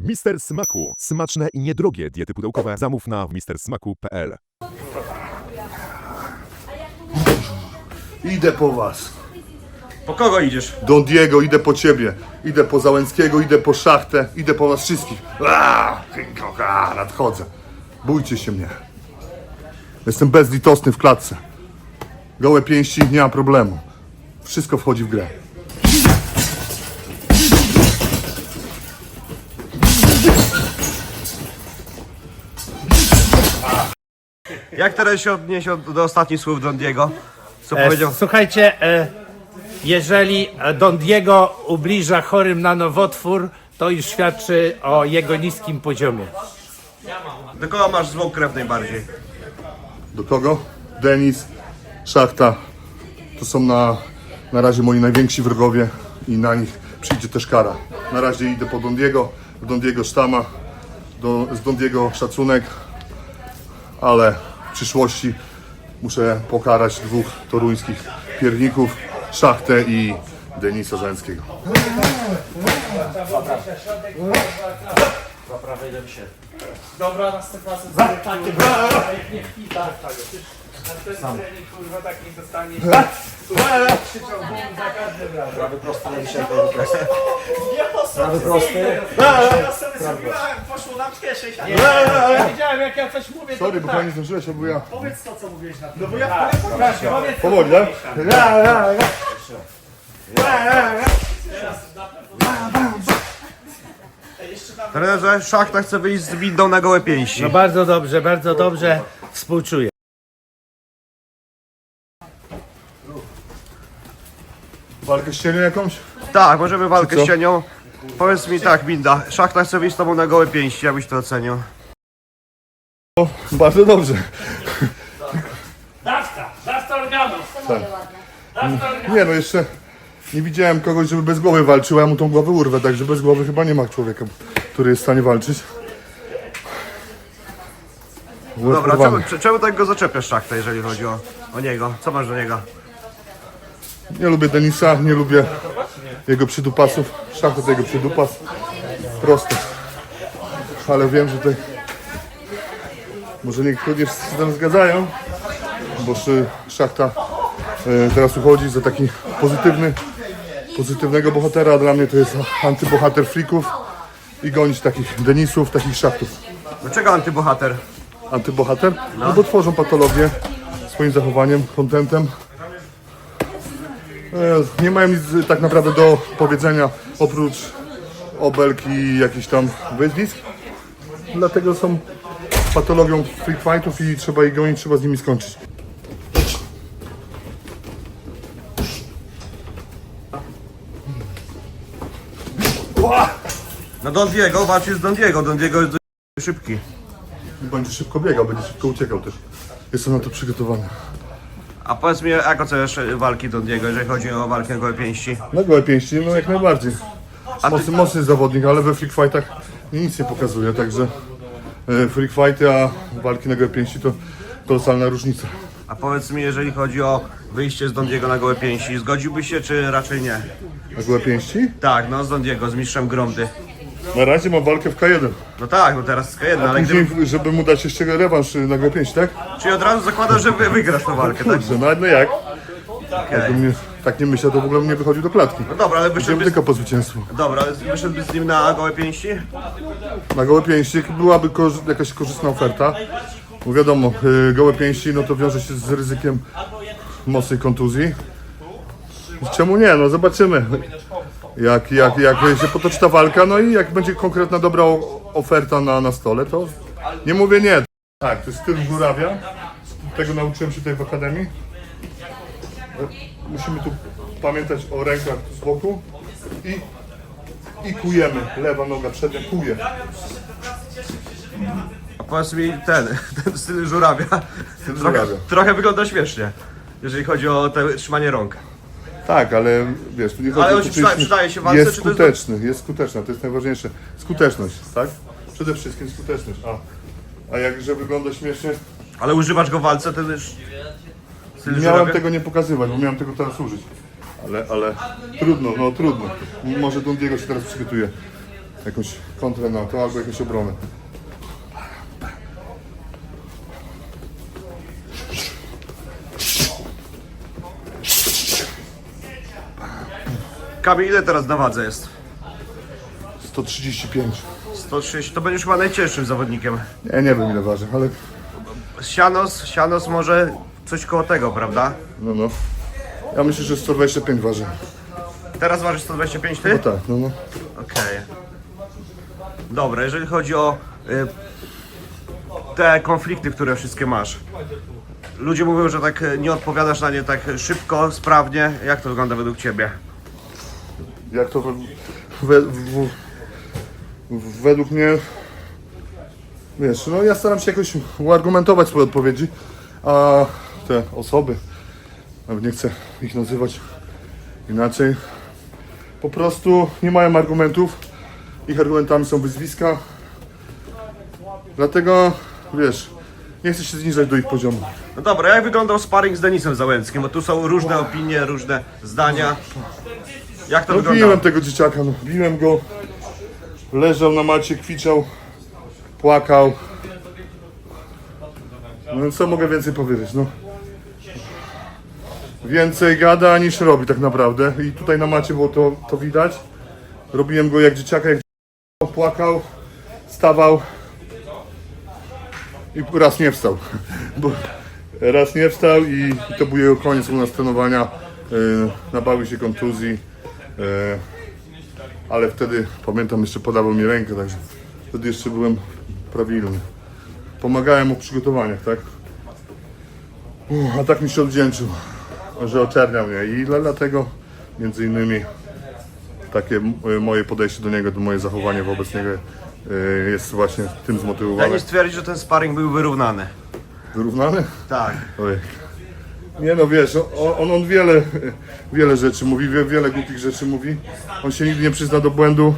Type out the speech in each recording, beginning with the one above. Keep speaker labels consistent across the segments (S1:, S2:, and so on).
S1: Mister Smaku. Smaczne i niedrogie diety pudełkowe. Zamów na mistersmaku.pl.
S2: Idę po was.
S3: Po kogo idziesz?
S2: Don Diego, idę po ciebie. Idę po Załęckiego, idę po Szachtę, idę po was wszystkich. Nadchodzę. Bójcie się mnie. Jestem bezlitosny w klatce. Gołe pięści, nie ma problemu. Wszystko wchodzi w grę.
S3: Jak teraz się odniesie do ostatnich słów Don Diego? Co powiedział?
S4: Słuchajcie, jeżeli Don Diego ubliża chorym na nowotwór, to już świadczy o jego niskim poziomie.
S3: Do kogo masz złą krew najbardziej?
S2: Do kogo? Denis, Szachta. To są na razie moi najwięksi wrogowie i na nich przyjdzie też kara. Na razie idę po Don Diego sztama, z Don Diego szacunek, ale w przyszłości muszę pokarać dwóch toruńskich pierników, Szachtę i Denisa Załęckiego.
S4: Dobra, następna sesja. Takie jak nie wpita. Ten trening, kurwa, tak nie dostaniesz. Krzyczał bum za każdym razem. Prawy prosty na dzisiaj. Prawy prosty. Ja sobie zrobiłem, poszło nam w kieszeń. Ja wiedziałem, jak ja coś mówię, to
S2: Sorry, bo pani zdążyłeś, bo ja...
S4: powiedz to, co mówiłeś na tym. No bo ja powiedz to.
S2: Powoli, tak?
S3: Trenerze, Szachta chce wyjść z windą na gołe pięści.
S4: No bardzo dobrze. Współczuję.
S2: Walkę z cieniem jakąś?
S3: Tak, możemy walkę
S2: Co?
S3: z cienią. Powiedz mi tak, Binda, Szachta chce wyjść z tobą na gołe pięści, jak byś to ocenił?
S2: Bardzo dobrze.
S4: Dawca organów.
S2: Nie no, jeszcze nie widziałem kogoś, żeby bez głowy walczył, a ja mu tą głowę urwę, także bez głowy chyba nie ma człowieka, który jest w stanie walczyć.
S3: Dobra,
S2: Urwany.
S3: czemu tak go zaczepiasz, Szachtę, jeżeli chodzi o niego? Co masz do niego?
S2: Nie lubię Denisa, nie lubię jego przydupasów. Szachta to jego przydupas. Proste. Ale wiem, że tutaj może niektórzy się z tym zgadzają, bo Szachta teraz uchodzi za taki pozytywnego bohatera, a dla mnie to jest antybohater freaków i gonić takich Denisów, takich Szachtów.
S3: Dlaczego antybohater?
S2: Antybohater? No bo tworzą patologię swoim zachowaniem, kontentem. Nie mają nic tak naprawdę do powiedzenia oprócz obelg i jakichś tam wyzwisk. Dlatego są patologią freak fightów i trzeba ich gonić, trzeba z nimi skończyć.
S3: No Don Diego, walczy z Don Diego. Don Diego jest szybki.
S2: Będzie szybko biegał, będzie szybko uciekał też. Jestem na to przygotowany.
S3: A powiedz mi, jak oceniasz walki Don Diego, jeżeli chodzi o walkę na gołe pięści?
S2: Na gołe pięści, no jak najbardziej. Mocny zawodnik, ale we freak fightach nic nie pokazuje, także freak fighty, a walki na gołe pięści to kolosalna różnica.
S3: A powiedz mi, jeżeli chodzi o wyjście z Don Diego na gołe pięści, zgodziłbyś się, czy raczej nie?
S2: Na gołe pięści?
S3: Tak, no z Don Diego, z mistrzem Gromdy.
S2: Na razie mam walkę w K1.
S3: No tak, no teraz K1, ale
S2: Później,
S3: gdyby...
S2: żeby mu dać jeszcze rewanż na gołe pięści, tak?
S3: Czyli od razu zakładasz, że wygrasz tę walkę, tak?
S2: Kurczę, no jak? Jakbym tak nie myślał, to w ogóle bym nie wychodził do klatki.
S3: No dobra, ale
S2: Idziemy
S3: wyszedłbyś...
S2: tylko po zwycięstwo.
S3: Dobra, ale wyszedłbyś z nim na gołe pięści?
S2: Na gołe pięści byłaby jakaś korzystna oferta. Bo wiadomo, gołe pięści no to wiąże się z ryzykiem mocnej kontuzji. Czemu nie? No zobaczymy. Jak się potoczy ta walka, no i jak będzie konkretna dobra oferta na stole, to nie mówię nie. Tak, to jest styl żurawia. Tego nauczyłem się tutaj w akademii. Musimy tu pamiętać o rękach z boku i kujemy. Lewa noga przednia kuje.
S3: A powiedz mi ten styl żurawia.
S2: żurawia.
S3: Trochę wygląda śmiesznie, jeżeli chodzi o te trzymanie rąk.
S2: Tak, ale wiesz, tu nie chodzi
S3: Ale
S2: o
S3: on
S2: to,
S3: się przydaje się w walce,
S2: jest
S3: czy to jest-
S2: skuteczny, jest skuteczna, to jest najważniejsze. Skuteczność, tak? Przede wszystkim skuteczność. A jakże wygląda śmiesznie,
S3: Ale używasz go w walce, ten już... Styl
S2: miałem
S3: żurawia?
S2: tego nie pokazywać, bo miałem tego teraz użyć. Ale trudno, no trudno. Może Don Diego się teraz przygotuje jakąś kontrę na to, albo jakąś obronę.
S3: Kamil, ile teraz na wadze jest?
S2: 135.
S3: 130, to będziesz chyba najcięższym zawodnikiem.
S2: Nie wiem ile waży, ale
S3: Sianos może coś koło tego, prawda?
S2: no. Ja myślę, że 125 waży.
S3: Teraz ważysz 125 ty?
S2: No tak, no.
S3: Okej. Dobra, jeżeli chodzi o te konflikty, które wszystkie masz. Ludzie mówią, że tak nie odpowiadasz na nie tak szybko, sprawnie. Jak to wygląda według ciebie?
S2: Jak to według mnie, wiesz, no ja staram się jakoś uargumentować swoje odpowiedzi, a te osoby, nawet nie chcę ich nazywać inaczej, po prostu nie mają argumentów, ich argumentami są wyzwiska, dlatego, wiesz, nie chcę się zniżać do ich poziomu.
S3: No dobra, jak wyglądał sparring z Denisem Załęckim? Bo tu są różne opinie, różne zdania. Jak to
S2: No
S3: wyglądało?
S2: biłem tego dzieciaka, no biłem go, leżał na macie, kwiczał, płakał. No co mogę więcej powiedzieć, no. Więcej gada niż robi tak naprawdę i tutaj na macie było to widać. Robiłem go jak dzieciaka, płakał, stawał i raz nie wstał. Raz nie wstał i to był jego koniec u nas trenowania. Nabawił się kontuzji. Ale wtedy, pamiętam, jeszcze podawał mi rękę, także wtedy jeszcze byłem prawilny. Pomagałem mu w przygotowaniach, tak? A tak mi się odwdzięczył, że oczerniał mnie i dlatego między innymi takie moje podejście do niego, moje zachowanie wobec niego jest właśnie tym zmotywowane.
S3: Denis twierdzi, że ten sparring był wyrównany.
S2: Wyrównany?
S3: Tak.
S2: Oj. Nie no wiesz, on wiele rzeczy mówi, wiele głupich rzeczy mówi. On się nigdy nie przyzna do błędu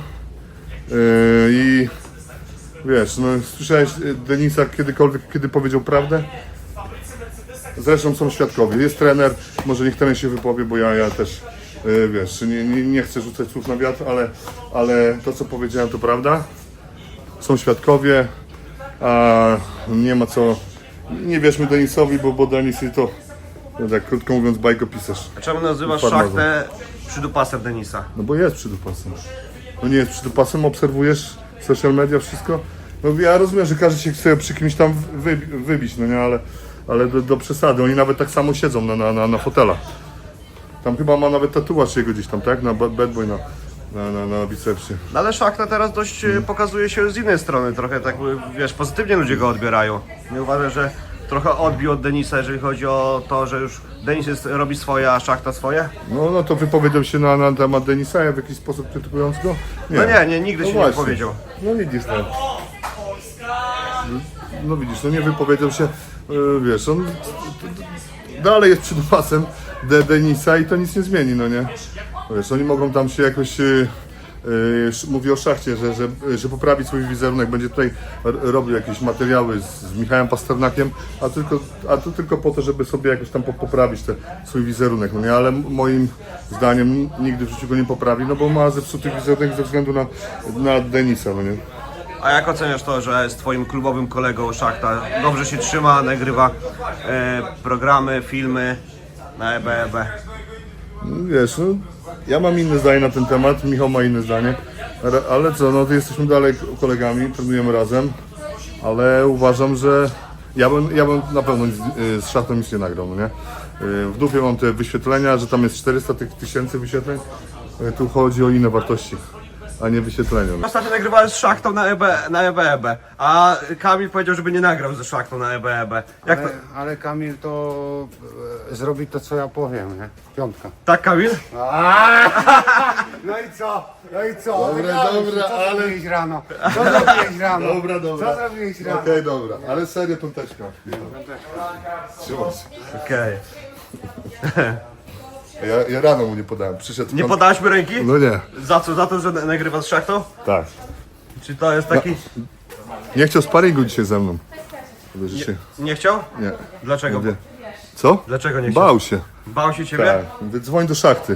S2: i wiesz, no słyszałeś Denisa kiedykolwiek, kiedy powiedział prawdę? Zresztą są świadkowie, jest trener, może niech trener się wypowie, bo ja też wiesz, nie chcę rzucać słów na wiatr, ale to co powiedziałem to prawda. Są świadkowie, a nie ma co, nie wierzmy Denisowi, bo Denis to tak krótko mówiąc bajkopisarz.
S3: A czemu nazywasz
S2: Farmazon.
S3: Szachtę przydupasem Denisa?
S2: No bo jest przydupasem. No nie jest przydupasem, obserwujesz social media, wszystko. No ja rozumiem, że każdy się chce przy kimś tam wybić, no nie, ale do przesady. Oni nawet tak samo siedzą na fotelach. Tam chyba ma nawet tatuaż jego gdzieś tam, tak? Na bad boy, na bicepsie.
S3: No ale Szachta teraz dość pokazuje się z innej strony, trochę tak, wiesz, pozytywnie ludzie go odbierają. Nie uważasz, że trochę odbił od Denisa, jeżeli chodzi o to, że już Denis robi swoje, a Szachta swoje?
S2: No to wypowiedział się na temat Denisa w jakiś sposób krytykując go?
S3: No nie, nigdy się nie
S2: właśnie.
S3: powiedział.
S2: No widzisz, no. No widzisz, no nie wypowiedział się, wiesz, on dalej jest przydupasem Denisa i to nic nie zmieni, no nie? Wiesz, oni mogą tam się jakoś, mówię o Szachcie, że poprawi swój wizerunek, będzie tutaj robił jakieś materiały z Michałem Pasternakiem, a to tylko po to, żeby sobie jakoś tam poprawić swój wizerunek, no nie? Ale moim zdaniem nigdy w życiu go nie poprawi, no bo ma zepsuty wizerunek ze względu na Denisa, no nie?
S3: A jak oceniasz to, że z twoim klubowym kolegą Szachta dobrze się trzyma, nagrywa programy, filmy na EBEB?
S2: Wiesz, no, ja mam inne zdanie na ten temat, Michał ma inne zdanie, ale co, no to jesteśmy dalej kolegami, trenujemy razem, ale uważam, że ja bym na pewno z Szachtą nic nie nagrał, no nie? W dupie mam te wyświetlenia, że tam jest 400 tysięcy wyświetleń, tu chodzi o inne wartości, a nie wyświetlenia. No.
S3: Ostatnio nagrywałem z Szachtą na EBEB, a Kamil powiedział, żeby nie nagrał ze Szachtą na EBEB. Jak to?
S5: Ale Kamil to zrobi to, co ja powiem, nie? Piątka.
S3: Tak, Kamil?
S5: No i co? No i co?
S2: Dobra,
S5: Co
S2: ale...
S5: zrobiłeś rano? Co zrobiłeś rano?
S2: Dobra.
S5: Co zrobiłeś rano?
S2: Okej, dobra, ale serio piąteczka. Trzymaj się.
S3: Okej.
S2: Ja rano mu nie podałem, przyszedł
S3: Nie podałeś mi ręki?
S2: No nie,
S3: Za co? Za to, że nagrywa z Szachtą?
S2: tak.
S3: Czy to jest taki...
S2: Nie chciał sparingu dzisiaj ze mną. Że się...
S3: Nie chciał?
S2: Nie.
S3: Dlaczego?
S2: Mówię, co?
S3: Dlaczego nie chciał?
S2: Bał się.
S3: Bał się ciebie?
S2: Tak. Mówię, dzwoń do Szachty.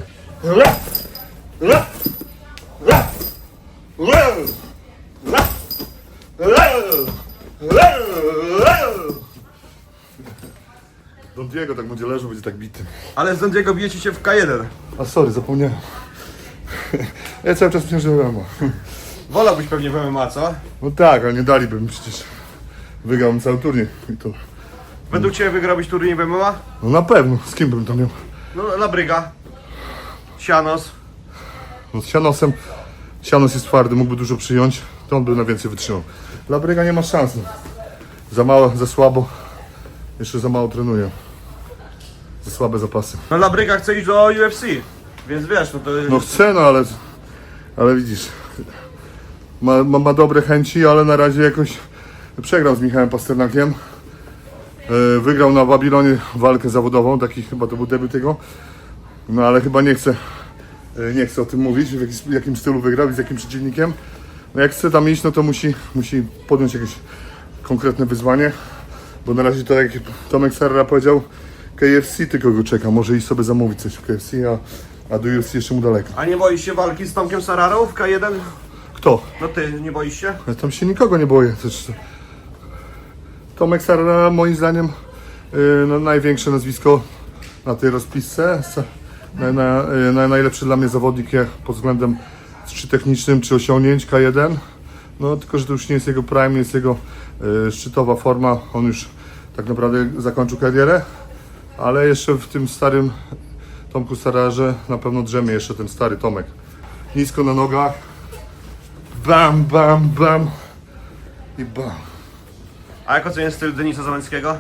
S2: Don Diego tak będzie leżał, będzie tak bity.
S3: Ale z Dondiego bijecie się w K1.
S2: A sorry, zapomniałem. Ja cały czas myślałem, że MMA.
S3: Wolałbyś pewnie w MMA, co?
S2: No tak, ale nie daliby mi przecież. Wygrałem cały turniej i to...
S3: Według Ciebie wygrałbyś turniej w MMA?
S2: No na pewno, z kim bym tam miał?
S3: No, Labryga. Sianos.
S2: No z Sianosem. Sianos jest twardy, mógłby dużo przyjąć, to on by na więcej wytrzymał. Labryga nie ma szans. No. Za mało, za słabo. Jeszcze za mało trenuje. Za słabe zapasy.
S3: No Labryga chce iść do UFC. Więc wiesz, no to...
S2: No chcę, no ale widzisz. Ma dobre chęci, ale na razie jakoś przegrał z Michałem Pasternakiem. Wygrał na Babilonie walkę zawodową, taki chyba to był debiut jego. No ale chyba nie chce o tym mówić, w jakim stylu wygrał i z jakim przeciwnikiem. No jak chce tam iść, no to musi podjąć jakieś konkretne wyzwanie. Bo na razie to jak Tomek Sarra powiedział, KFC tylko go czeka, może iść sobie zamówić coś w KFC, a do UFC jeszcze mu daleko.
S3: A nie boisz się walki z Tomkiem Sararą w K1?
S2: Kto?
S3: No ty, nie boisz się?
S2: Ja tam się nikogo nie boję. Też Tomek Sarra moim zdaniem no, największe nazwisko na tej rozpisce. Najlepszy dla mnie zawodnik pod względem czy technicznym, czy osiągnięć K1. No tylko, że to już nie jest jego prime, nie jest jego szczytowa forma. On już tak naprawdę zakończył karierę, ale jeszcze w tym starym Tomku Sararze na pewno drzemie jeszcze ten stary Tomek. Nisko na nogach. Bam, bam, bam i bam.
S3: A jak oceniasz styl Denisa Załęckiego?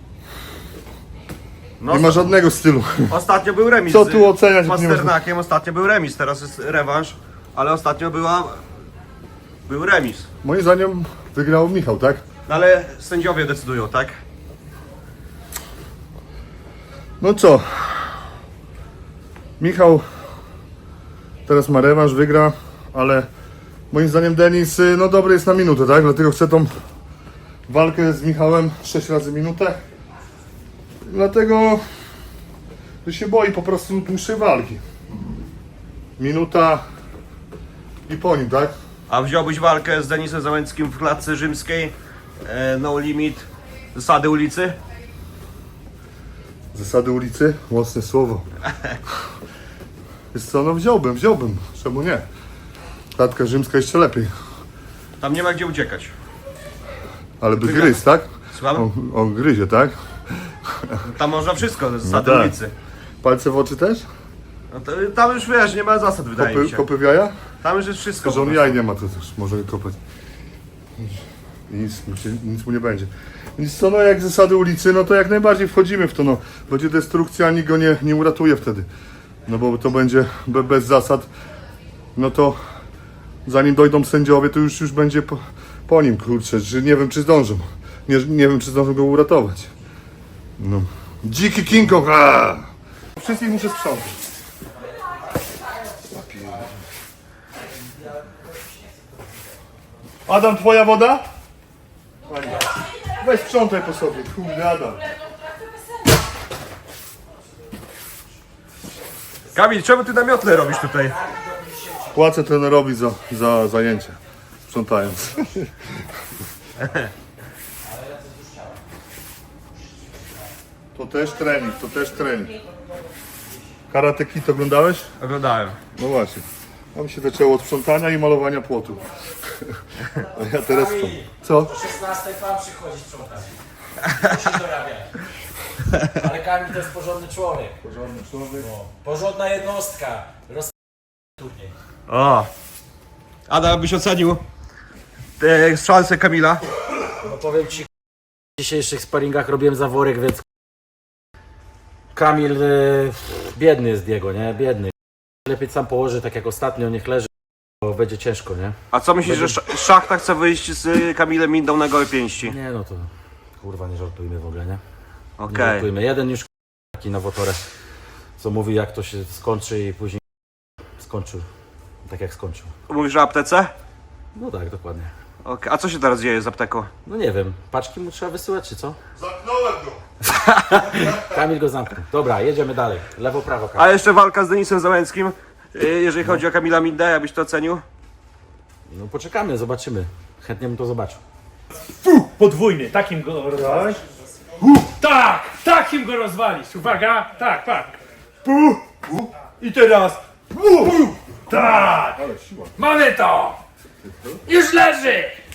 S3: No,
S2: Nie ma żadnego stylu.
S3: ostatnio był remis
S2: Co tu oceniać,
S3: z
S2: jak nie ma-
S3: Pasternakiem, ostatnio był remis, teraz jest rewanż, ale ostatnio był remis.
S2: Moim zdaniem wygrał Michał, tak?
S3: No ale sędziowie decydują, tak?
S2: No co? Michał teraz ma rewanż, wygra, ale moim zdaniem Denis no dobry jest na minutę, tak? Dlatego chcę tą walkę z Michałem 6 razy minutę. Dlatego że się boi po prostu dłuższej walki. Minuta i po nim, tak?
S3: A wziąłbyś walkę z Denisem Załęckim w klatce rzymskiej, no limit, zasady ulicy?
S2: Zasady ulicy? Mocne słowo. Jest co, no wziąłbym. Czemu nie? Klatka rzymska jeszcze lepiej.
S3: Tam nie ma gdzie uciekać.
S2: Ale by gryzł, tak?
S3: Słucham?
S2: On gryzie, tak?
S3: Tam można wszystko, zasady
S2: tak.
S3: ulicy.
S2: Palce w oczy też?
S3: No to, tam już wiesz, nie ma zasad, wydaje mi się.
S2: Kopy w jaja?
S3: Tam już jest wszystko.
S2: Że on
S3: po prostu.
S2: jaj nie ma, to też może kopać. I nic mu nie będzie. Więc co, no jak zasady ulicy, no to jak najbardziej wchodzimy w to, no. Będzie destrukcja, nikt go nie uratuje wtedy. No bo to będzie bez zasad, no to zanim dojdą sędziowie, to już będzie po nim, kurczę, że nie wiem czy zdążą. Nie wiem czy zdążą go uratować. No. Dziki King Kong! aaa! Wszystkich muszę sprzątać. Adam, twoja woda? Pani. Weź sprzątaj po sobie, kurde Adam.
S3: Kamil, czemu ty na miotle robisz tutaj?
S2: Płacę trenerowi za zajęcie, sprzątając. To też trening. Karate Kid oglądałeś?
S3: Oglądałem.
S2: No właśnie. Tam się zaczęło od sprzątania i malowania płotu. A ja teraz co? Co?
S4: O 16 pan przychodzi sprzątać. Musi dorabiać. Ale Kamil to jest porządny człowiek.
S2: Porządny człowiek.
S4: Porządna jednostka. Turniej.
S3: O! Adam, byś ocenił szanse Kamila?
S4: No powiem ci, w dzisiejszych sparingach robiłem zaworek, więc Kamil biedny jest Diego, nie? Biedny. Lepiej sam położy, tak jak ostatnio, niech leży, bo będzie ciężko, nie?
S3: A co myślisz, że Szachta chce wyjść z Kamilem Mindą na gołe pięści?
S4: Nie no to kurwa nie żartujmy w ogóle, nie? Nie
S3: Okej.
S4: żartujmy. Jeden już taki nowotorek, co mówi jak to się skończy i później skończył tak jak skończył.
S3: Mówisz o aptece?
S4: No tak, dokładnie.
S3: Okej. A co się teraz dzieje z apteką?
S4: No nie wiem, paczki mu trzeba wysyłać czy co?
S2: Zamknąłem go!
S4: Kamil go zamknął. Dobra, jedziemy dalej. Lewo, prawo, Kamil.
S3: A jeszcze walka z Denisem Załęckim. Jeżeli chodzi o Kamila Mindę, jakbyś to ocenił?
S4: No poczekamy, zobaczymy. Chętnie bym to zobaczył. Podwójny, takim go rozwalisz. Tak, takim go rozwalisz. Uwaga, tak, tak. I teraz. Tak. Mamy to. Już leży.